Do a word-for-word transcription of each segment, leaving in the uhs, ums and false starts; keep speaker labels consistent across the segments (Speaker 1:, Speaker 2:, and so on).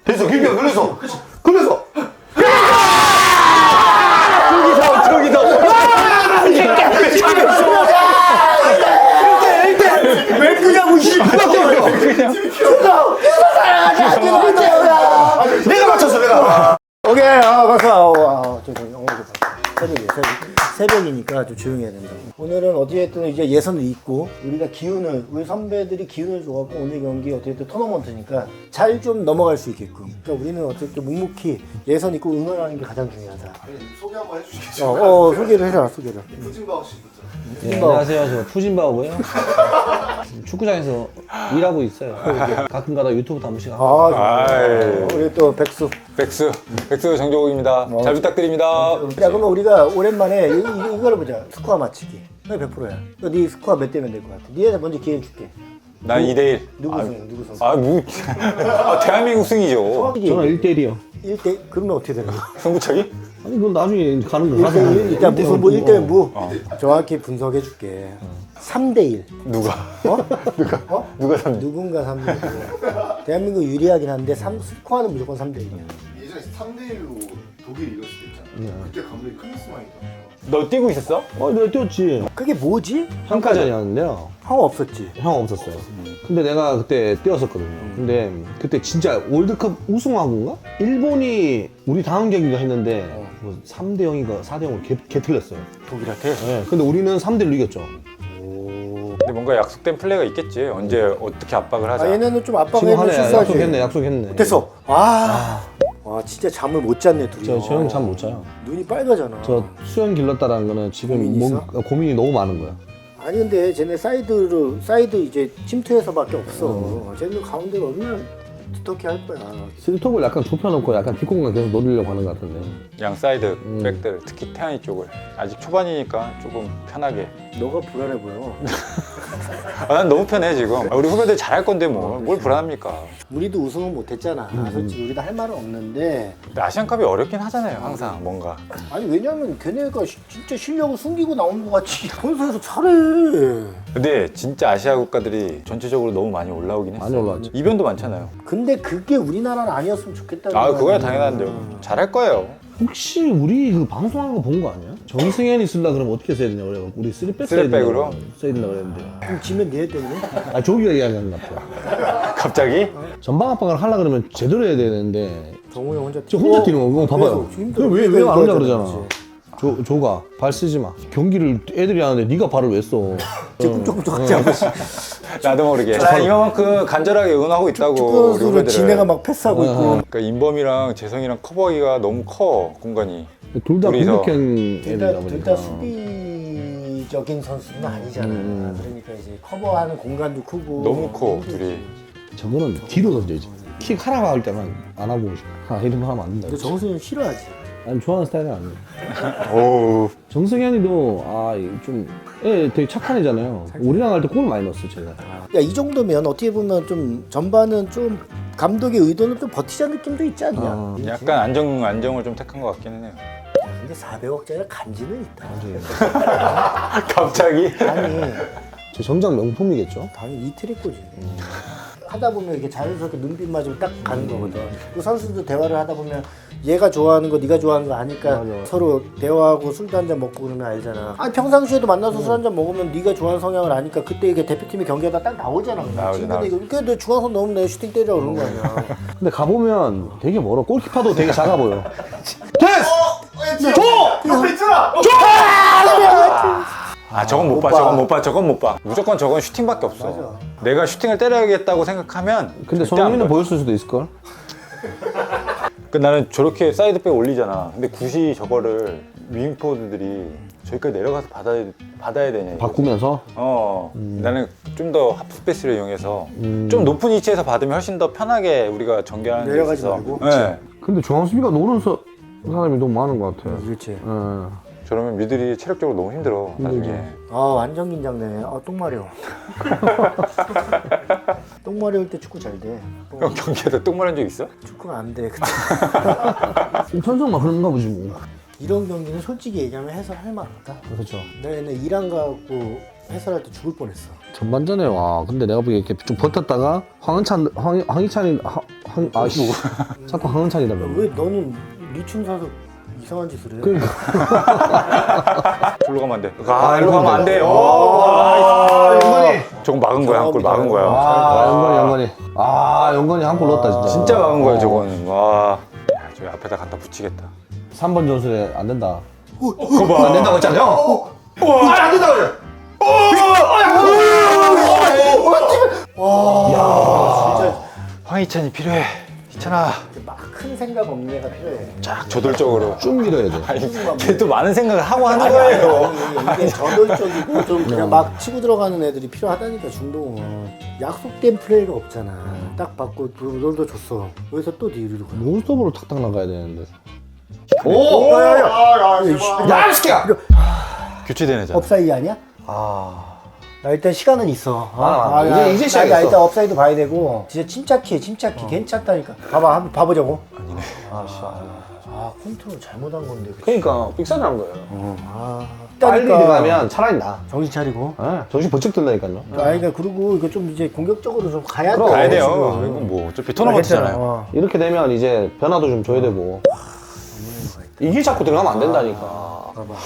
Speaker 1: 됐어, 길게 그래서. 그래서.
Speaker 2: 저기서 저기서.
Speaker 1: 왜 그냐고 씨. 내가 맞췄어, 내가.
Speaker 3: 오케이, 아, 박수. 아, 아, 저, 저, 어, 새벽이에요, 새벽. 새벽이니까 좀 조용히 해야 된다. 오늘은 어찌됐든 이제 예선을 잊고 우리가 기운을, 우리 선배들이 기운을 줘갖고 오늘 경기 어쨌든 토너먼트니까 잘 좀 넘어갈 수 있게끔. 그러니까 우리는 어쨌든 묵묵히 예선 잊고 응원하는 게 가장 중요하다.
Speaker 1: 소개 한번 해주시겠어요?
Speaker 3: 어, 어 소개를 해라, 소개를.
Speaker 1: 후진바오 씨부터.
Speaker 2: 네, 안녕하세요. 저 푸진바오고요. 축구장에서 일하고 있어요. 가끔 가다 유튜브도 한 번씩 하고.
Speaker 3: 아,
Speaker 4: 아이.
Speaker 3: 우리 또 백수.
Speaker 4: 백수, 백수 정조국입니다. 잘 부탁드립니다.
Speaker 3: 야, 그러면 우리가 오랜만에 이, 이, 이걸 보자. 스코어 맞히기. 그게 백 퍼센트야. 네 스코어 몇 대면 될 것 같아. 니한테 먼저 기회 줄게.
Speaker 4: 난 이 대 일.
Speaker 3: 누구 승? 누구 승?
Speaker 4: 아, 뭐. 아, 대한민국 승이죠.
Speaker 2: 저는 일 대 일이요.
Speaker 3: 일 대 그러면 어떻게 되는 거야?
Speaker 4: 승부차기?
Speaker 2: 아니 그건 나중에 가는 거
Speaker 3: 일
Speaker 2: 가서
Speaker 3: 대 일, 일단 무뭐 일 대 무.
Speaker 4: 어.
Speaker 3: 정확히 분석해 줄게. 삼 대 일.
Speaker 4: 누가?
Speaker 3: 어?
Speaker 4: 누가?
Speaker 3: 어?
Speaker 4: 누가 삼 대 일?
Speaker 3: 누군가 삼 대 일. 대한민국 유리하긴 한데 삼 스코어는 무조건 삼 대 일이야.
Speaker 1: 예전에 삼 대 일로 독일 이겼을 때 있잖아. 그때 감독이 클린스만이잖아.
Speaker 4: 너 뛰고 있었어?
Speaker 2: 어, 내가 뛰었지.
Speaker 3: 그게 뭐지?
Speaker 2: 한카전이었는데요.
Speaker 3: 형 없었지.
Speaker 2: 형 없었어요. 근데 내가 그때 뛰었었거든요. 근데 그때 진짜 월드컵 우승하고인가? 일본이 우리 다음 경기가 했는데 뭐 삼 대 영인가 사 대 영으로 개, 개 틀렸어요.
Speaker 3: 독일한테.
Speaker 2: 네. 근데 우리는 삼 대 일로 이겼죠.
Speaker 4: 근데 뭔가 약속된 플레이가 있겠지. 언제 어떻게 압박을 하자.
Speaker 3: 아 얘네는 좀 압박을
Speaker 2: 지금
Speaker 3: 해면
Speaker 2: 하네.
Speaker 3: 실수하지.
Speaker 2: 약속했네. 약속했네.
Speaker 3: 됐어. 아. 와 진짜 잠을 못 잤네 둘이.
Speaker 2: 저, 저 형 잠 못 자요.
Speaker 3: 눈이 빨개잖아.
Speaker 2: 저 수영 길렀다라는 거는 지금
Speaker 3: 고민이
Speaker 2: 몸,
Speaker 3: 있어?
Speaker 2: 어, 고민이 너무 많은 거야.
Speaker 3: 아니 근데 쟤네 사이드로 사이드 이제 침투해서밖에 없어. 쟤네 가운데가 얼마나 두텁게 할 거야.
Speaker 2: 스톱을 약간 좁혀놓고 약간 뒷공간 계속 노리려고 하는 것 같은데.
Speaker 4: 양 사이드 백들, 특히 태안이 쪽을. 아직 초반이니까 조금 편하게.
Speaker 3: 너가 불안해 보여.
Speaker 4: 아, 난 너무 편해, 지금. 아, 우리 후배들 잘할 건데 뭐. 뭘 불안합니까?
Speaker 3: 우리도 우승은 못했잖아. 솔직히 우리도 할 말은 없는데.
Speaker 4: 근데 아시안컵이 어렵긴 하잖아요, 항상. 뭔가.
Speaker 3: 아니 왜냐면 걔네가 시- 진짜 실력을 숨기고 나온 것 같이 본선에서 잘해.
Speaker 4: 근데 진짜 아시아 국가들이 전체적으로 너무 많이 올라오긴 했어.
Speaker 2: 많이 올라왔지.
Speaker 4: 이변도 많잖아요.
Speaker 3: 근데 그게 우리나라는 아니었으면 좋겠다는
Speaker 4: 아,
Speaker 3: 거야.
Speaker 4: 그거야 당연한데요. 잘할 거예요.
Speaker 2: 혹시 우리 그 방송하는 거 본 거 아니야? 정승현이 쓸라 그러면 어떻게 써야 되냐 그래. 우리 쓰리백 써야 된다.
Speaker 4: 쓰리백으로?
Speaker 2: 써야 된다 그랬는데.
Speaker 3: 그럼 지면 니네 때문에?
Speaker 2: 아 조기가 이야기하는 것 같아.
Speaker 4: 갑자기?
Speaker 2: 전방 압박을 하려 그러면 제대로 해야 되는데
Speaker 3: 정우 형 혼자
Speaker 2: 저 혼자 뛰는 거. 이거 봐봐요. 왜왜 안 오냐 그러잖아. 조, 조가 발 쓰지 마. 경기를 애들이 하는데 네가 발을 왜 써?
Speaker 3: 조금 조금 더 같지 않고
Speaker 4: 나도 모르게. 나 이만큼 간절하게 응원하고 있다고. 우리
Speaker 3: 축구선수를
Speaker 4: 후배들을.
Speaker 3: 지네가 막 패스하고 있고.
Speaker 4: 그러니까 인범이랑 재성이랑 커버하기가 너무 커, 공간이.
Speaker 2: 둘 다
Speaker 4: 둘이서.
Speaker 2: 공격형 애들이다
Speaker 3: 둘다
Speaker 2: 보니까.
Speaker 3: 둘 다 수비적인 선수는 아니잖아. 그러니까 이제 커버하는 공간도 크고.
Speaker 4: 너무 커, 둘이.
Speaker 2: 저거는 뒤로 던져야지. 킥 하라고 할 때만 안 하고 아 이런 거 하면 안 된다.
Speaker 3: 근데 정수는 싫어하지.
Speaker 2: 난 좋아하는 스타일은 아니에요.
Speaker 4: 오.
Speaker 2: 정승현이도 아좀 애 되게 착한 애잖아요. 우리랑 할 때 골 많이 넣었어 제가.
Speaker 3: 야 이 정도면 어떻게 보면 좀 전반은 좀 감독의 의도는 좀 버티자 느낌도 있지 않냐?
Speaker 2: 아,
Speaker 4: 약간 안정, 안정을 좀 택한 것 같기는 해요.
Speaker 3: 야, 근데 사백억짜리 간지는 있다.
Speaker 4: 갑자기?
Speaker 3: 아니
Speaker 2: 제 정장 명품이겠죠.
Speaker 3: 당연히 이틀이 꼬지. 하다 보면 이렇게 자연스럽게 눈빛 맞으면 딱 가는 거거든. 그 선수도 대화를 하다 보면 얘가 좋아하는 거 네가 좋아하는 거 아니까
Speaker 2: 맞아.
Speaker 3: 서로 대화하고 술도 한잔 먹고 그러면 알잖아. 아니 평상시에도 만나서 술 한잔 먹으면 네가 좋아하는 성향을 아니까 그때 이게 대표팀이 경기하다 딱 나오잖아.
Speaker 4: 나오지,
Speaker 3: 근데
Speaker 4: 나오지.
Speaker 3: 이거 그래 너 중앙선 넘으면 내가 슈팅 때려 그런 거 아니야.
Speaker 2: 근데 가보면 되게 멀어. 골키퍼도 되게 작아 보여.
Speaker 4: 아, 저건 못 봐, 저건 못 봐, 저건 못 봐. 무조건 저건 슈팅밖에 없어. 내가 슈팅을 때려야겠다고 생각하면.
Speaker 2: 근데
Speaker 4: 절대 안
Speaker 2: 손흥민은
Speaker 4: 보여.
Speaker 2: 보였을 수도 있을걸?
Speaker 4: 그 나는 저렇게 사이드백 올리잖아. 근데 굳이 저거를 윙포드들이 저기까지 내려가서 받아야, 받아야 되냐. 이거지.
Speaker 2: 바꾸면서?
Speaker 4: 어, 나는 좀 더 하프 스페이스를 이용해서
Speaker 2: 음.
Speaker 4: 좀 높은 위치에서 받으면 훨씬 더 편하게 우리가 전개하는 데
Speaker 3: 내려가지
Speaker 4: 있어서.
Speaker 3: 말고?
Speaker 4: 네.
Speaker 2: 근데 중앙 수비가 노는 서, 사람이 너무 많은 것 같아.
Speaker 3: 그렇지.
Speaker 2: 예.
Speaker 4: 저러면 미들이 체력적으로 너무 힘들어, 나중에.
Speaker 3: 아 완전 긴장되네. 아 똥마려. 똥마려울 때 축구 잘 돼. 똥-
Speaker 4: 형 경기에서 똥말한 적 있어?
Speaker 3: 축구가 안 돼.
Speaker 2: 천성만 그런가 보지 뭐.
Speaker 3: 이런 경기는 솔직히 얘기하면 해설할 만 없다.
Speaker 2: 그렇죠.
Speaker 3: 내가 옛날 이란 가고 해설할 때 죽을 뻔했어.
Speaker 2: 전반전에 와 근데 내가 보기에 이렇게 좀 버텼다가 황은찬 황, 황희찬이 황, 황 아씨 자꾸 황은찬이다
Speaker 3: 왜 너는 리춤 사서 이상한 짓을 해?
Speaker 2: 그러니까
Speaker 4: 절로 가면 안 돼.
Speaker 2: 아,
Speaker 4: 일로 가면 안 돼. 오,
Speaker 2: 아 영건이
Speaker 4: 저건 막은 거야. 한 골 막은 거야.
Speaker 2: 아 영건이 영건이 아 영건이 한 골 넣었다 진짜
Speaker 4: 진짜 막은 거야, 저거는. 와. 야, 저 앞에다 갖다 붙이겠다.
Speaker 2: 삼 번 전술에 안 된다
Speaker 4: 그거 봐.
Speaker 2: 안 된다고 했잖아요 아안 된다고 그래
Speaker 3: 진짜
Speaker 4: 황희찬이 필요해. 희찬아.
Speaker 3: 막 큰 생각 없는 애가 필요해.
Speaker 4: 쫙 저돌적으로.
Speaker 2: 쭉 밀어야 돼
Speaker 4: 아니, 걔도 많은 생각을 하고 하는
Speaker 3: 아니,
Speaker 4: 거예요.
Speaker 3: 아니, 아니, 이게 저돌적이고 좀 그냥 막 치고 들어가는 애들이 필요하다니까 중동은. 약속된 플레이가 없잖아. 딱 받고 롤도 줬어. 여기서 또 뒤로 가.
Speaker 2: 논스톱으로 탁탁 나가야 되는데
Speaker 1: 오! 야야야! 야 제발.
Speaker 2: 야, 이 새끼야!
Speaker 4: 교체된 애잖아.
Speaker 3: 업사이드 아니야?
Speaker 2: 아,
Speaker 3: 나 일단 시간은 있어.
Speaker 2: 아, 이제-
Speaker 3: 야,
Speaker 2: 이제
Speaker 3: 나-
Speaker 2: 시작했어.
Speaker 3: 나 일단 업사이드 봐야 되고. 진짜 침착해, 침착해. 괜찮다니까. 봐봐, 한번 봐보자고.
Speaker 4: 아니네.
Speaker 3: 아, 컨트롤 잘못한 건데. 그치?
Speaker 2: 그러니까 빅사장 거예요
Speaker 3: 아,
Speaker 2: 빨리
Speaker 3: 있다니까.
Speaker 2: 들어가면 차라리 나
Speaker 3: 정신 차리고.
Speaker 2: 아, 정신 번쩍 든다니까요
Speaker 3: 아니, 그러니까 그리고 이거 좀 이제 공격적으로 좀 가야 돼.
Speaker 4: 가야 돼요.
Speaker 3: 지금.
Speaker 4: 이건 뭐 어차피
Speaker 3: 괜찮아.
Speaker 4: 토너먼트잖아요.
Speaker 3: 어.
Speaker 2: 이렇게 되면 이제 변화도 좀 줘야 되고 이길 잡고 들어가면 안 된다니까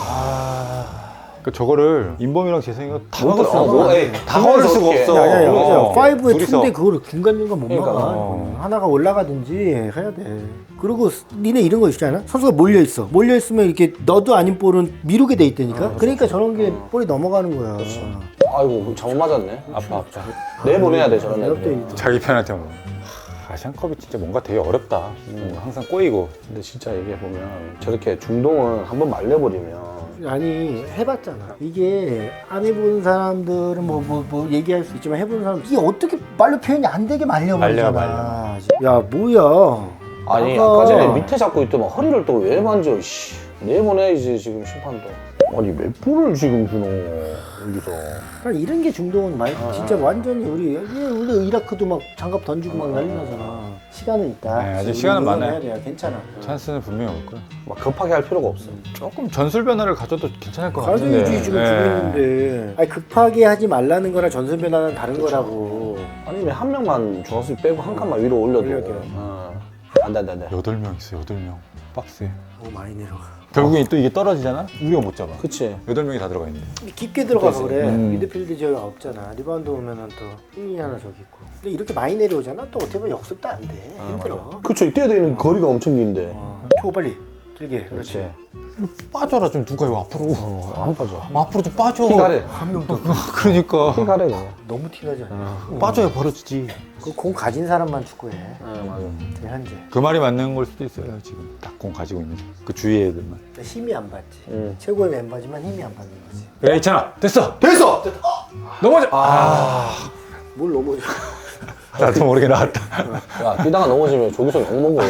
Speaker 4: 그 저거를 인범이랑 재성이가 다
Speaker 2: 못
Speaker 4: 막을 수가
Speaker 2: 들어.
Speaker 4: 없어.
Speaker 2: 뭐, 에이,
Speaker 4: 다 막을 수가
Speaker 2: 어떻게.
Speaker 4: 없어.
Speaker 3: 야, 야, 야,
Speaker 4: 어.
Speaker 3: 파이브에
Speaker 4: 둘이서.
Speaker 3: 투인데 그거를 중간중간 못
Speaker 2: 그러니까.
Speaker 3: 막아.
Speaker 4: 어.
Speaker 3: 하나가 올라가든지 해야 돼. 그리고 스- 니네 이런 거 있잖아. 선수가 몰려 있어. 몰려 있으면 이렇게 너도 아닌 볼은 미루게 돼 있다니까. 그러니까 저런 게 볼이 넘어가는 거야.
Speaker 2: 아이고 잘못 맞았네
Speaker 4: 아파 아파.
Speaker 2: 내보내야 돼 저런
Speaker 3: 내가
Speaker 2: 애들
Speaker 3: 때
Speaker 4: 자기 편한테 뭐. 아시안컵이 진짜 뭔가 되게 어렵다. 뭔가 항상 꼬이고.
Speaker 2: 근데 진짜 이게 보면 저렇게 중동은 한번 말려버리면
Speaker 3: 아니 해봤잖아. 이게 안 해본 사람들은 뭐 뭐 뭐 얘기할 수 있지만 해본 사람 이게 어떻게 말로 표현이 안 되게 말려버리잖아.
Speaker 4: 말려,
Speaker 3: 야 뭐야?
Speaker 2: 아니
Speaker 3: 아까-
Speaker 2: 아까 전에 밑에 잡고 있더만 허리를 또 왜 만져 씨 내보내야지 지금 심판도 아니 몇 분을 지금 주노 여기서
Speaker 3: 그러니까 이런 게 중동은 많이 진짜 완전히 우리 이게 원래 이라크도 막 장갑 던지고 막 난리 나잖아. 시간은 있다.
Speaker 4: 네, 아직
Speaker 3: 우리
Speaker 4: 시간은
Speaker 3: 응원해야
Speaker 4: 많아요.
Speaker 3: 돼요. 괜찮아.
Speaker 4: 찬스는 분명히 올 거야.
Speaker 2: 막 급하게 할 필요가 없어
Speaker 4: 조금 전술 변화를 가져도 괜찮을 것 같은데.
Speaker 3: 가져야지 지금
Speaker 4: 네.
Speaker 3: 죽겠는데. 아니 급하게 하지 말라는 거랑 전술 변화는 다른 거라고.
Speaker 2: 아니면 한 명만 중앙수 빼고 한 칸만 위로 올려도
Speaker 3: 올려도.
Speaker 2: 어. 안돼 안돼 안돼
Speaker 4: 여덟 명 있어, 여덟 명. 박스에.
Speaker 3: 오 많이 내려가.
Speaker 4: 결국엔 또 이게 떨어지잖아? 우리가 못 잡아.
Speaker 2: 그치
Speaker 4: 여덟 명이 다 들어가 있는데.
Speaker 3: 깊게 들어가서 그래.
Speaker 4: 음.
Speaker 3: 미드필드 지역이 없잖아. 리바운드 오면은 또 흥이 하나 저기 있고. 근데 이렇게 많이 내려오잖아. 또 어떻게 보면 역습도 안 돼. 힘들어.
Speaker 2: 그쵸 뛰어야 되는 거리가 엄청 긴데
Speaker 3: 어. 초 빨리. 길게. 그렇지.
Speaker 4: 빠져라, 좀 누가 이거 앞으로.
Speaker 2: 어, 안 빠져
Speaker 4: 앞으로 좀 빠져.
Speaker 2: 키 가래
Speaker 3: 한 명 더.
Speaker 4: 그러니까.
Speaker 2: 키 가래 그냥
Speaker 3: 너무 티나지 않아.
Speaker 4: 빠져야 벌어지지.
Speaker 3: 그 공 가진 사람만 축구해.
Speaker 2: 네 맞아
Speaker 3: 지금 현재.
Speaker 4: 그 말이 맞는 걸 수도 있어요, 지금. 딱 공 가지고 있는. 그 주위의 애들만.
Speaker 3: 그러니까 힘이 안 받지.
Speaker 2: 음.
Speaker 3: 최고의 멤버지만 힘이 안 받는 거지.
Speaker 4: 그래, 있잖아. 됐어!
Speaker 1: 됐어!
Speaker 4: 넘어져! 아.
Speaker 3: 뭘 넘어져.
Speaker 4: 나도 모르게 나왔다.
Speaker 2: 야 뛰다가 넘어지면 저기서 욕먹어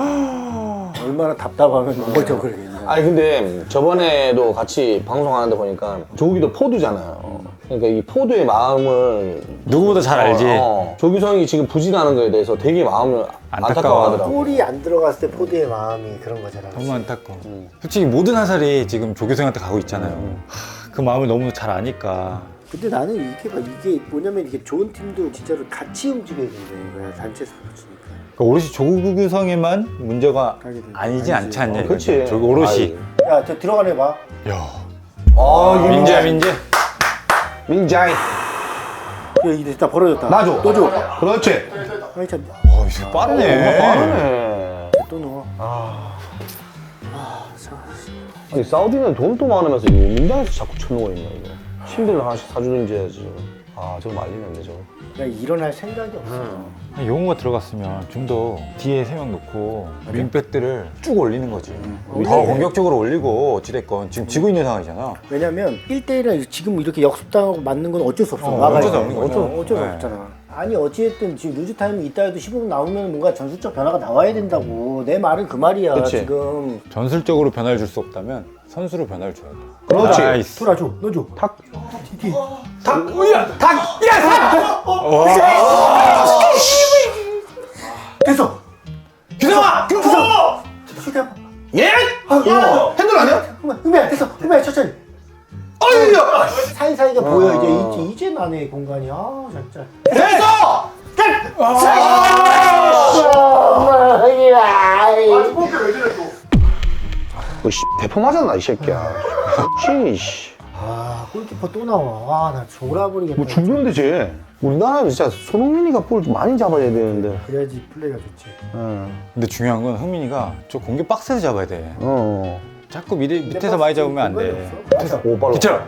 Speaker 3: 얼마나 답답하면 넘어져 그러겠냐.
Speaker 2: 아니 근데 저번에도 같이 방송하는데 보니까 조기도 포드잖아요 그러니까 이 포드의 마음을
Speaker 4: 누구보다 잘 알지.
Speaker 2: 어, 어. 조규성이 지금 부진하는 거에 대해서 되게 마음을
Speaker 4: 안타까워.
Speaker 2: 안타까워하더라고
Speaker 3: 골이 안 들어갔을 때 포드의 마음이 그런 거잖아.
Speaker 4: 너무 안타까워. 솔직히 모든 화살이 지금 조교생한테 가고 있잖아요. 하, 그 마음을 너무 잘 아니까.
Speaker 3: 근데 나는 이게 봐 이게 뭐냐면 이게 좋은 팀도 진짜로 같이 움직여야 된다는 거야. 단체 스포츠니까.
Speaker 4: 그러니까 오롯이 조교생에만 문제가
Speaker 3: 가게 되는
Speaker 4: 아니지
Speaker 3: 아니지.
Speaker 4: 않지 않냐.
Speaker 2: 어,
Speaker 4: 이거지.
Speaker 2: 그치
Speaker 4: 저기 오롯이.
Speaker 3: 야, 저 들어가네 봐.
Speaker 4: 야.
Speaker 2: 아
Speaker 4: 민재야, 민재.
Speaker 2: 민자이
Speaker 3: 야, 이제 다 벌어졌다.
Speaker 2: 놔줘
Speaker 3: 또 줘.
Speaker 2: 그렇지
Speaker 3: 아니 참.
Speaker 4: 어, 이거 빠르네.
Speaker 2: 빠르네
Speaker 3: 또 넣어.
Speaker 2: 아니 사우디는 돈도 많으면서 이거 민당에서 자꾸 쳐누워 있냐 이거 침대를 하나씩 사주든지 해야지 아 저거 말리는데 저거
Speaker 3: 야, 일어날 생각이 없어.
Speaker 4: 용호가 들어갔으면 좀 더 뒤에 세 명 놓고 윙백들을 쭉 올리는 거지. 더
Speaker 3: 올리네.
Speaker 4: 공격적으로 올리고 어찌됐건 지금 지고 있는 상황이잖아.
Speaker 3: 왜냐면 일 대일은 지금 이렇게 역습당하고 맞는 건 어쩔 수 없어.
Speaker 4: 어,
Speaker 3: 막아야
Speaker 4: 어쩔 수
Speaker 3: 돼.
Speaker 4: 없는 거죠.
Speaker 3: 어쩔, 어쩔 수
Speaker 4: 네.
Speaker 3: 없잖아. 아니 어찌됐든 지금 루즈 타임이 있다 해도 십오 분 나오면 뭔가 전술적 변화가 나와야 된다고. 내 말은 그 말이야.
Speaker 2: 그치.
Speaker 3: 지금.
Speaker 4: 전술적으로 변화를 줄 수 없다면 선수로 변화를 줘야 돼.
Speaker 2: 그렇지.
Speaker 4: 나이스.
Speaker 3: 돌아줘. 넣어줘.
Speaker 2: 탁
Speaker 3: 디디.
Speaker 2: 탁! 우야! 탁!
Speaker 3: 됐어.
Speaker 2: 규성아! 규성!
Speaker 3: 시간.
Speaker 2: 예? 아, 핸들 아니야?
Speaker 3: 흥미야, 흥미야 됐어. 흥미야 천천히.
Speaker 2: 아유야!
Speaker 3: 사이사이가 공간이 보여 이제
Speaker 2: 어.
Speaker 3: 이제 이제 나네 공간이. 아 진짜.
Speaker 1: 됐어! 아니 뽑게 왜 저래 또?
Speaker 2: 너 씨, 대포 맞았나 이 새끼야. 씨.
Speaker 3: 아 골키퍼 또 나와. 아나 졸아버리겠다.
Speaker 2: 뭐 죽는데 쟤. 우리나라는 진짜 손흥민이가 볼 좀 많이 잡아야 되는데.
Speaker 3: 그래야지 플레이가 좋지.
Speaker 2: 응.
Speaker 4: 근데 중요한 건 흥민이가 저 공격 박스에서 잡아야 돼.
Speaker 2: 어.
Speaker 4: 자꾸 밑에, 밑에서 많이 잡으면 안 돼.
Speaker 3: 됐어.
Speaker 2: 오 빨라.
Speaker 4: 기철!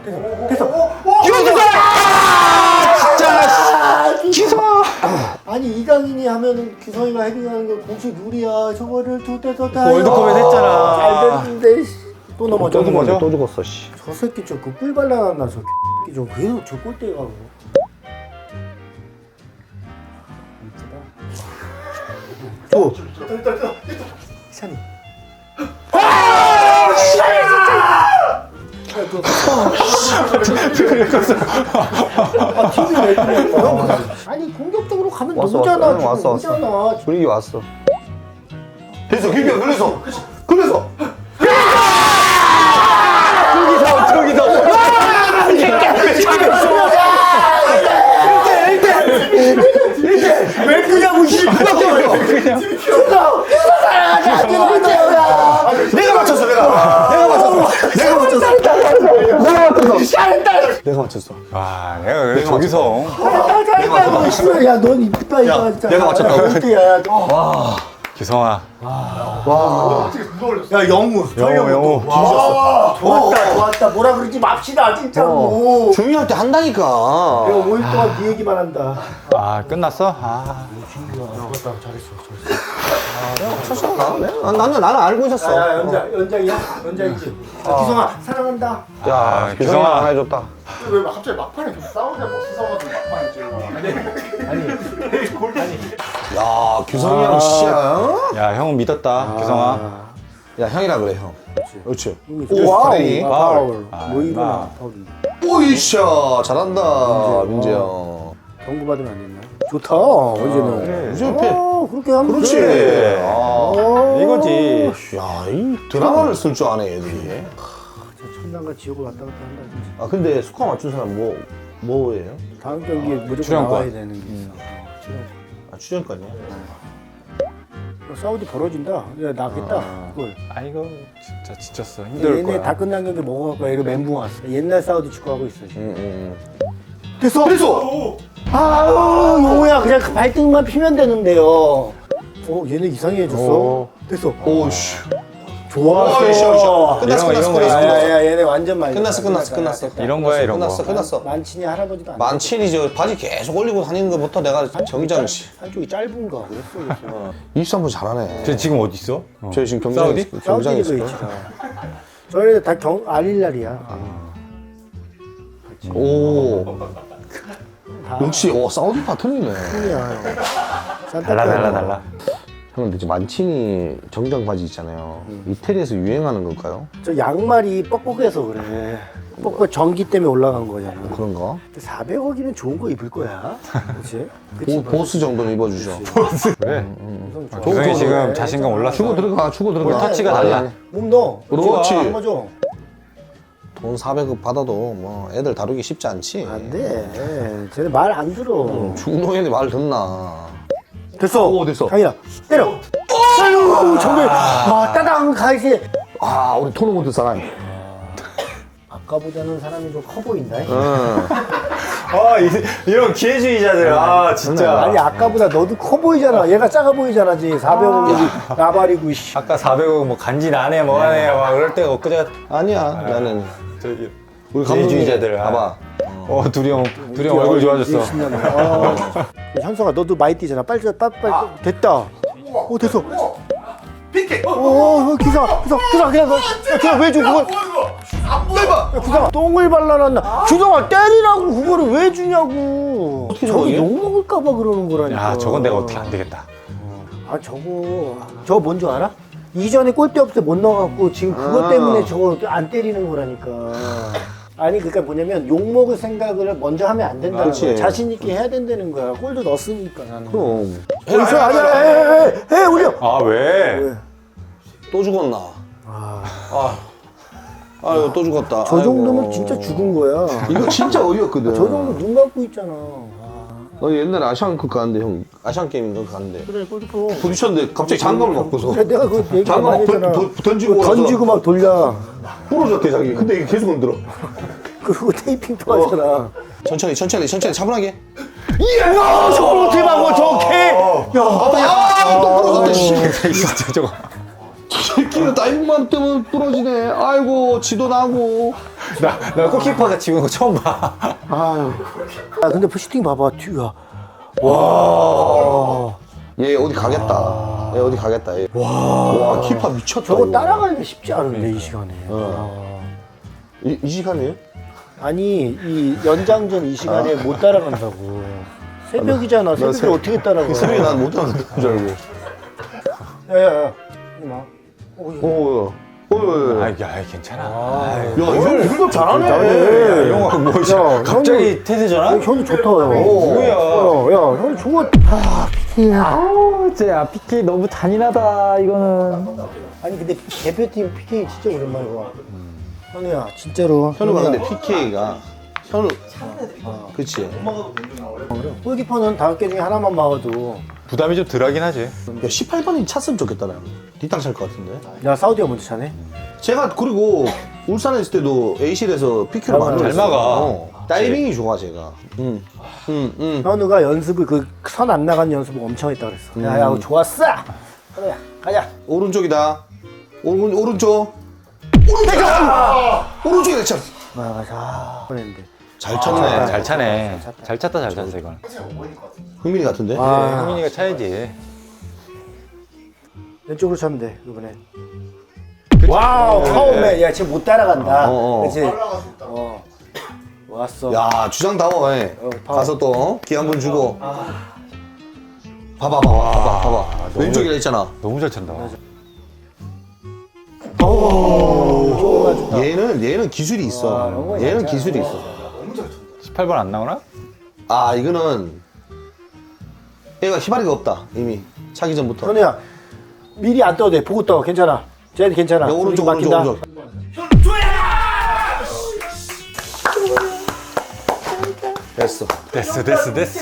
Speaker 3: 기성! 아니 이강인이 하면은 규성이가 헤딩하는 거 공식 룰이야. 저거를 두 대서 다.
Speaker 4: 월드컵에서 했잖아.
Speaker 3: 잘 됐는데 씨. 또 넘어져.
Speaker 2: 또 죽었네.
Speaker 4: 맞아?
Speaker 2: 또 죽었어 씨.
Speaker 3: 저 새끼 저그뿔 발라놨나 저 새끼 좀 계속 저 골대에 가고. 저 찬이. 아, 팀이 왜 그래? 아니 공격적으로 가면
Speaker 2: 왔어,
Speaker 3: 너잖아.
Speaker 2: 왔어,
Speaker 3: 지금
Speaker 2: 왔어, 왔어.
Speaker 3: 너잖아.
Speaker 2: 분위기 왔어.
Speaker 1: 됐어 김기현 그래서 그래서
Speaker 4: 저기서, 저기서!
Speaker 3: 왜 그냐고 씨. 그냥.
Speaker 1: 내가 맞췄어 내가 내가 맞췄어 내가 맞췄어
Speaker 2: 내가 맞췄어. 내가 맞췄어.
Speaker 4: 와, 내가 왜 저기서.
Speaker 3: 야넌 이쁘다 이거 진짜.
Speaker 2: 내가 맞췄다고?
Speaker 3: 야,
Speaker 4: 기성아.
Speaker 1: 어떻게 그거 올렸어?
Speaker 3: 야 영우.
Speaker 4: 영우, 영우.
Speaker 3: 와, 좋았다 좋았다. 뭐라 그러지 맙시다 진짜로.
Speaker 2: 중요할 때 한다니까.
Speaker 3: 내가 오 일 동안 네 얘기만 한다.
Speaker 4: 아, 끝났어? 아.
Speaker 3: 좋았다 잘했어 잘했어.
Speaker 2: 쳤어 나? 나- 나는 나는 알고 있었어.
Speaker 3: 야 연장 연장이야 연장이지. 기성아 사랑한다.
Speaker 2: 야,
Speaker 4: 아,
Speaker 2: 기성아
Speaker 4: 기성아.
Speaker 2: 하나 해줬다.
Speaker 1: 왜 갑자기 막판에 좀 싸우냐 버스 싸워가지고 막판에 찌르고
Speaker 2: 야, 규성이 형 씨야.
Speaker 4: 야, 형은 믿었다, 기성아.
Speaker 2: 야, 형이라 그래 형. 그렇지.
Speaker 3: 와우.
Speaker 2: 파울.
Speaker 3: 파울.
Speaker 4: 아,
Speaker 3: 뭐 이거나
Speaker 4: 아.
Speaker 3: 파울이.
Speaker 2: 오이샤 잘한다 민재 형.
Speaker 3: 경고 받으면 안 됐나? 좋다. 어제는.
Speaker 2: 민재 옆에.
Speaker 3: 어 그렇게 하면
Speaker 2: 그렇지.
Speaker 3: 돼.
Speaker 2: 아,
Speaker 3: 어.
Speaker 4: 이거지.
Speaker 2: 야, 이 드라마를 쓸 줄 아네 얘들이.
Speaker 3: 천당과 지옥을 왔다 갔다 한다 진짜.
Speaker 2: 아 근데 스코어 맞춘 사람 뭐 뭐예요?
Speaker 3: 다음 경기에 무조건
Speaker 4: 출연권.
Speaker 3: 나와야 되는 게 있어. 어, 출연권.
Speaker 2: 아 출연권이야.
Speaker 3: 어, 사우디 벌어진다. 야 나겠다. 그걸.
Speaker 4: 아, 이거 진짜 지쳤어. 힘들
Speaker 3: 얘네
Speaker 4: 거야.
Speaker 3: 다 끝난 경기 먹어갖고 이거 멘붕 왔어. 옛날 사우디 축구하고 있어 지금.
Speaker 2: 응, 응,
Speaker 3: 됐어. 됐어. 아우 용우야 그냥 그 발등만 피면 되는데요. 어 얘네 이상해졌어.
Speaker 2: 어.
Speaker 3: 됐어.
Speaker 2: 응. 오씨.
Speaker 3: 좋았어.
Speaker 2: 오, 씨, 씨. 끝났어,
Speaker 4: 이런 거,
Speaker 2: 끝났어,
Speaker 4: 이런 거,
Speaker 2: 끝났어.
Speaker 3: 야야 얘네 완전 말려.
Speaker 2: 끝났어, 끝났어, 끝났어.
Speaker 4: 이런 거야, 이런
Speaker 2: 끝났어,
Speaker 4: 거.
Speaker 2: 끝났어.
Speaker 3: 만친이 할아버지도 안 돼.
Speaker 2: 만칠이 저 바지 계속 올리고 다니는 것부터 내가 정장 씨.
Speaker 3: 한쪽이 짧은가 그랬어. 그랬어.
Speaker 2: 이십삼 분 잘하네.
Speaker 4: 쟤 지금 어디 있어? 어.
Speaker 2: 저희 지금 경기장에
Speaker 4: 사우디?
Speaker 2: 있- 경기장에
Speaker 3: 사우디
Speaker 2: 있을 거야.
Speaker 3: 저희는 다 경, 알릴날이야.
Speaker 2: 오. 역시 오 사우디 파트너네.
Speaker 3: 야
Speaker 4: 달라, 달라, 달라.
Speaker 2: 형 근데 지금 만친이 정장 바지 있잖아요. 이태리에서 유행하는 걸까요?
Speaker 3: 저 양말이 뻑뻑해서 그래. 뻑뻑 전기 때문에 올라간 거잖아.
Speaker 2: 그런가?
Speaker 3: 사백억이면 좋은 거 입을 거야. 그렇지?
Speaker 2: 보, 보스 정도는 입어주죠.
Speaker 4: 그래.
Speaker 3: 좋아.
Speaker 4: 기성이 지금 자신감 올랐어.
Speaker 2: 주고 들어가, 주고 들어가.
Speaker 4: 볼 터치가
Speaker 2: 아니,
Speaker 4: 달라.
Speaker 2: 아니.
Speaker 3: 몸 넣어.
Speaker 2: 그렇지.
Speaker 3: 한번 줘.
Speaker 2: 돈 사백억 받아도 뭐 애들 다루기 쉽지 않지.
Speaker 3: 안 돼. 쟤네 말 안 들어.
Speaker 2: 중동애들 말 듣나.
Speaker 3: 됐어.
Speaker 2: 오, 됐어.
Speaker 3: 강이야. 때려. 아유, 정말. 아, 따당 가이지.
Speaker 2: 아, 우리 토너먼트 사람.
Speaker 3: 아까보다는 사람이 좀 커 보인다.
Speaker 2: 응.
Speaker 4: 아, 이, 이런 기회주의자들. 아, 진짜.
Speaker 3: 아니, 아까보다 너도 커 보이잖아. 얘가 작아 보이잖아, 지 사백억이 나발이고, 씨.
Speaker 4: 아까 사백억 뭐 간지 나네, 뭐 하네. 막 그럴 때가 엊그제.
Speaker 2: 아니야, 나는.
Speaker 4: 저기.
Speaker 2: 우리 감독님
Speaker 4: 기회주의자들.
Speaker 2: 봐봐.
Speaker 4: 어, 둘이 형, 둘이 형 얼굴 좋아졌어.
Speaker 3: 신나네. 아. 현성아, 너도 많이 뛰잖아. 빨리, 빨리, 빨리. 됐다. 오, 됐어.
Speaker 1: 피케
Speaker 3: 오, 오, 기사, 기사, 기사, 그냥, 야, 그냥 왜 줘, 그걸.
Speaker 1: 안 보여봐
Speaker 3: 야, 기사가 똥을 발라놨나. 기사가 때리라고 그거를 왜 주냐고.
Speaker 2: 어떻게
Speaker 3: 저기
Speaker 2: 저거
Speaker 3: 욕먹을까봐 그러는 거라니까.
Speaker 4: 야, 저건 내가 어떻게 안 되겠다.
Speaker 3: 아, 저거. 저거 뭔 줄 알아? 이전에 골대 없을 때 못 넣어갖고 지금 그것
Speaker 2: 아.
Speaker 3: 때문에 저거 안 때리는 거라니까. 아니 그러니까 뭐냐면 욕먹을 생각을 먼저 하면 안 된다는
Speaker 2: 그렇지.
Speaker 3: 거야. 자신 있게 해야 된다는 거야. 골도 넣었으니까 나는.
Speaker 2: 그럼.
Speaker 3: 여기서 아니야, 해, 해, 해, 해, 올려.
Speaker 4: 아, 왜?
Speaker 3: 왜?
Speaker 2: 또 죽었나?
Speaker 3: 아,
Speaker 2: 아, 아유 또 죽었다.
Speaker 3: 저
Speaker 2: 아이고.
Speaker 3: 정도면 진짜 죽은 거야.
Speaker 2: 이거 진짜 어이없거든.
Speaker 3: 저 정도 눈 감고 있잖아.
Speaker 2: 너 옛날에 아시안컵 가는데 형 아시안 게임인가 가는데
Speaker 3: 그래 골키퍼.
Speaker 2: 부딪혔는데 갑자기 장갑을 먹고서
Speaker 3: 그래 내가 그 얘기
Speaker 2: 장갑
Speaker 3: 많이
Speaker 2: 막
Speaker 3: 했잖아.
Speaker 2: 던- 던- 던지고
Speaker 3: 그거 던지고 막 돌려.
Speaker 2: 부러졌대 자기. 근데 이게 계속 흔들어.
Speaker 3: 그리고 테이핑도 하잖아.
Speaker 2: 천천히 천천히 천천히 차분하게.
Speaker 3: 야 저걸 어떻게 막어 저 개. 야.
Speaker 2: 아또 부러졌대. 씨.
Speaker 4: 진짜 저거.
Speaker 2: 새끼는 다이빙만 때문에 부러지네. 아이고 지도 나고.
Speaker 4: 나, 나 골키퍼가 지금 거 처음 봐.
Speaker 3: 아유. 야 근데 슈팅 봐봐 뒤야. 와.
Speaker 2: 얘 어디 가겠다. 얘 어디 가겠다. 얘. 와. 와 키파 미쳤다.
Speaker 3: 저거
Speaker 2: 이거.
Speaker 3: 따라가기가 쉽지 않은데 이 시간에. 아.
Speaker 2: 이, 이 시간이에요?
Speaker 3: 아니 이 연장전 이 시간에 못 따라간다고. 새벽이잖아. 새벽에
Speaker 2: 새-
Speaker 3: 어떻게 따라가?
Speaker 2: 새벽에 난 못 하는 줄 알고.
Speaker 3: 야야야. 마.
Speaker 2: 오. 오. 오.
Speaker 4: 아, 야, 괜찮아.
Speaker 2: 야 이거 이거 잘하네.
Speaker 3: 잘해.
Speaker 4: 이런 거 뭐,
Speaker 3: 야,
Speaker 4: 갑자기 태세잖아?
Speaker 3: 현우 좋다. 야.
Speaker 4: 뭐야.
Speaker 3: 야, 야, 현우 좋아. 아, 피케야.
Speaker 5: 아우 진짜 피케 너무 잔인하다 이거는.
Speaker 3: 아니 근데 대표팀 피케이 진짜 오랜만에 와. 현우야, 진짜로.
Speaker 2: 현우가
Speaker 3: 현우야.
Speaker 2: 근데 피케이가 현우. 그치.
Speaker 3: 골키퍼는 다섯 개 중에 하나만 막아도.
Speaker 4: 부담이 좀 덜하긴 하지.
Speaker 2: 야 십팔 번이 찼으면 좋겠다 나. 뒷땅 찰 것 같은데.
Speaker 3: 야, 사우디가 먼저 차네.
Speaker 2: 제가 그리고 울산에 있을 때도 A실에서 피케를
Speaker 3: 잘
Speaker 2: 많이
Speaker 4: 잘
Speaker 2: 했어요.
Speaker 4: 막아.
Speaker 2: 어. 다이빙이 좋아 제가. 응. 응. 응.
Speaker 3: 현우가 연습을 그 선 안 나간 연습을 엄청 했다 그랬어. 야, 야, 좋았어. 현우야, 가자.
Speaker 2: 오른쪽이다. 오른 오른쪽. 오른쪽. 오른쪽이다 참.
Speaker 3: 아, 가자. 보냈는데.
Speaker 2: 잘 쳤네.
Speaker 4: 잘 차네. 잘 찼다, 잘 찼어, 이건.
Speaker 2: 흥민이 같은데.
Speaker 3: 아,
Speaker 4: 효민이가 차야지.
Speaker 3: 왼쪽으로 차면 돼 이번에. 와우, 처음에 야 지금 못 따라간다.
Speaker 2: 어, 어.
Speaker 3: 그렇지. 어, 왔어.
Speaker 2: 야 주장다워. 해.
Speaker 3: 어, 봐.
Speaker 2: 가서 또 기 한 번 주고. 봐봐 봐봐 봐봐 봐봐. 왼쪽이라 했잖아.
Speaker 4: 너무 잘 찬다.
Speaker 2: 얘는 얘는 기술이 있어.
Speaker 3: 영어야,
Speaker 2: 얘는
Speaker 3: 진짜.
Speaker 2: 기술이 있어.
Speaker 4: 십팔 번 안 나오나?
Speaker 2: 아 이거는 얘가 희발이가 없다 이미 차기 전부터.
Speaker 3: 현우야, 미리 안 떠도 돼. 보고 떠. 괜찮아. 쟤도 괜찮아.
Speaker 2: 야, 오른쪽
Speaker 3: 우리
Speaker 2: 오른쪽
Speaker 3: 맡긴다.
Speaker 2: 오른쪽. 됐어.
Speaker 4: 됐어, 됐어, 됐어.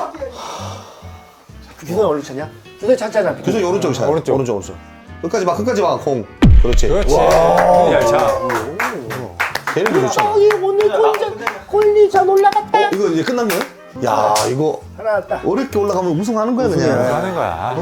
Speaker 3: 규선 어디로 차냐? 규선 차차잖아.
Speaker 2: 규석이 오른쪽 차.
Speaker 4: 오른쪽.
Speaker 2: 오른쪽 오른쪽. 끝까지 봐 끝까지 봐 공. 그렇지.
Speaker 4: 그렇지. 잘 차.
Speaker 2: 걔는 게 좋잖아. 어,
Speaker 3: 오늘 골전 골리전 올라갔다.
Speaker 2: 이거 이제 끝난 거야? 야 이거
Speaker 3: 하나 왔다.
Speaker 2: 어렵게 올라가면 우승하는 거야
Speaker 4: 그거
Speaker 2: 그냥.
Speaker 4: 하는 거야.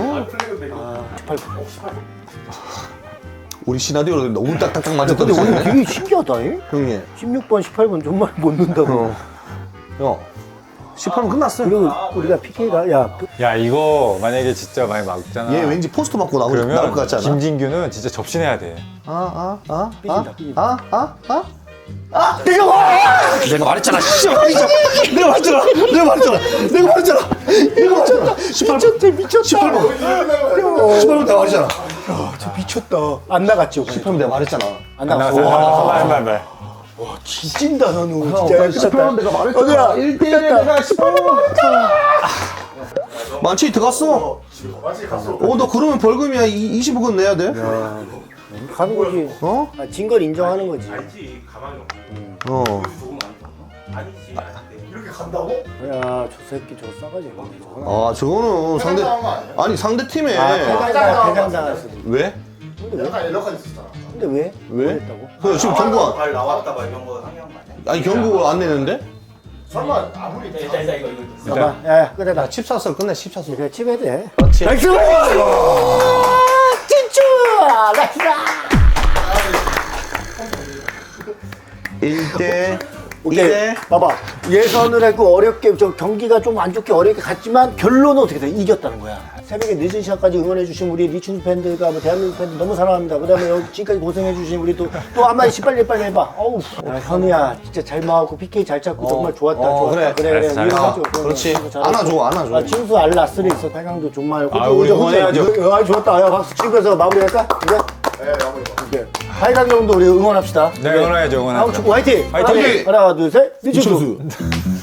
Speaker 2: 우리 시나리오를 너무 딱딱딱
Speaker 3: 근데
Speaker 2: 맞았더니
Speaker 3: 오늘 되게 신기하다. 잉?
Speaker 2: 형님.
Speaker 3: 십육 번, 십팔 번 정말 못 넣는다고.
Speaker 2: 어. 형. 십팔 분 끝났어.
Speaker 3: 그리고 우리가 피케가 야 그-
Speaker 4: 야, 이거 만약에 진짜 많이 막잖아.
Speaker 2: 얘 왠지 포스터 맞고 나올, 나올
Speaker 4: 그러면
Speaker 2: 것 같지 않아?
Speaker 4: 김진규는 진짜 접신해야 돼.
Speaker 2: 아, 아, 아,
Speaker 3: 삐진다,
Speaker 2: 아,
Speaker 3: 삐진다.
Speaker 2: 아, 아, 아, 아, 내가 내가 말했잖아. 씨, 말했잖아. 내가 말했잖아. 내가 말했잖아. 내가 말했잖아. 내가 말했잖아. 십팔 번.
Speaker 3: 미쳤대 미쳤다.
Speaker 2: 십팔 번. 십팔 번 내가 말했잖아.
Speaker 3: 저 미쳤다. 안 나갔죠.
Speaker 2: 십팔 번 내가 말했잖아.
Speaker 3: 안
Speaker 4: 안
Speaker 3: 나갔어.
Speaker 4: 나왔어.
Speaker 3: 와,
Speaker 4: 말, 말, 말.
Speaker 3: 지진다 현우.
Speaker 2: 형,
Speaker 3: 진짜
Speaker 2: 십팔 번 내가 말했잖아.
Speaker 3: 현우야,
Speaker 2: 일 대 일에 내가 십팔 번 말했잖아. 만치 들어갔어.
Speaker 1: 마치 갔어.
Speaker 2: 어, 너 그러면 벌금이야. 이십억은 내야 돼.
Speaker 3: 가는 거지.
Speaker 2: 어?
Speaker 3: 아, 진 걸 인정하는 거지.
Speaker 2: 어.
Speaker 1: 이렇게 간다고?
Speaker 3: 야, 저 새끼 저 싸가지. 저거.
Speaker 2: 아, 저거는 상대
Speaker 1: 당한 거 아니야?
Speaker 2: 아니 상대 팀에
Speaker 3: 아, 대장 대장 당했어.
Speaker 2: 왜?
Speaker 1: 약간 연락까지 있었잖아.
Speaker 3: 근데 왜?
Speaker 2: 왜?
Speaker 3: 뭐 했다고?
Speaker 2: 그 지금 경고
Speaker 6: 발 나왔다 막 이런 거 상의한 거 아니야?
Speaker 2: 아니 경고 안 내는데?
Speaker 1: 설마 아무리
Speaker 6: 일단 일단 이거 이거
Speaker 3: 잠깐만. 야, 야, 끝내다.
Speaker 2: 칩 샀어 끝내 칩 샀어.
Speaker 3: 그래, 칩해야 돼.
Speaker 2: 그렇지.
Speaker 3: 나이스! 진짜! 나이스다!
Speaker 2: 일 대
Speaker 3: 오케이.
Speaker 2: 일 대
Speaker 3: 봐봐. 예선을 했고 어렵게 저 경기가 좀 안 좋게 어렵게 갔지만 결론은 어떻게 돼? 이겼다는 거야. 새벽에 늦은 시간까지 응원해주신 우리 리춘수 팬들과 뭐 대한민국 팬들 너무 사랑합니다. 그 다음에 여기 지금까지 고생해주신 우리 또, 또 한마디씩 빨리 빨리 해봐. 어우. 야, 현우야, 진짜 잘 막았고, 피케이 잘 찾고, 정말 좋았다.
Speaker 2: 어,
Speaker 3: 좋았다.
Speaker 2: 그래.
Speaker 3: 그래, 그래.
Speaker 4: 잘했어,
Speaker 3: 이해하죠.
Speaker 2: 그렇지.
Speaker 3: 그래, 잘했어.
Speaker 2: 안아줘, 안아줘.
Speaker 3: 아, 칭수 알라스리 있어. 팔강도 정말.
Speaker 4: 아, 우리 응원해야죠.
Speaker 3: 아, 좋았다. 야, 박수 치면서 마무리할까? 그래?
Speaker 1: 네, 마무리.
Speaker 3: 오케이. 팔강 정도 우리 응원합시다.
Speaker 4: 네, 응원해야죠, 응원해야죠.
Speaker 3: 다음 축구 화이팅!
Speaker 4: 화이팅!
Speaker 3: 하나, 둘, 셋. 리춘수.
Speaker 2: 이천수.